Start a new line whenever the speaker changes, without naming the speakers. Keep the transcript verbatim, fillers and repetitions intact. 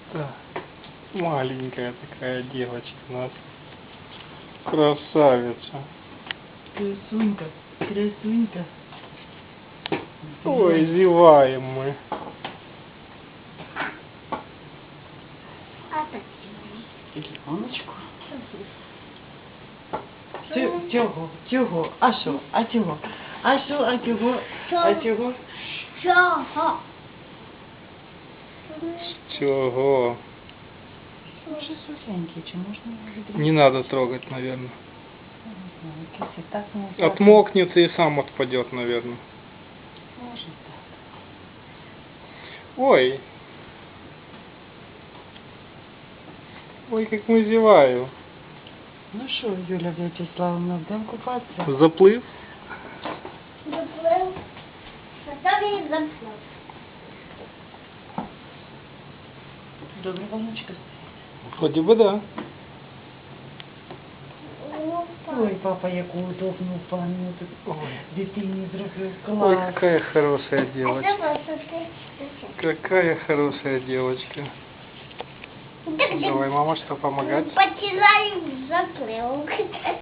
Да. Маленькая такая девочка у нас. Красавица.
Красунька, красунька.
Ой, зеваем мы.
Яночку. Чого? Чого? А що? А чого? А що? А чого? А чого?
Чого?
Чего?
Вже сухенький, чи можна його відрізати?
Не надо трогать, наверное.
Не знаю, якийсь і так не
Отмокнется и сам отпадет, наверное.
Може так.
Ой. Ой, как мы зеваю.
Ну що, Юля Вячеславовна, будемо купатися?
Заплыв?
Заплив. Готові заплив.
Добре, Ванечка.
Вроде бы да.
Ой, папа, яку удобну пані тут
Ой.
дитині зробив.
Ой,
Клас.
какая хорошая
А
девочка.
це просто ти.
Какая хорошая девочка. Давай, мама, что помогать?
Потираю в заплив.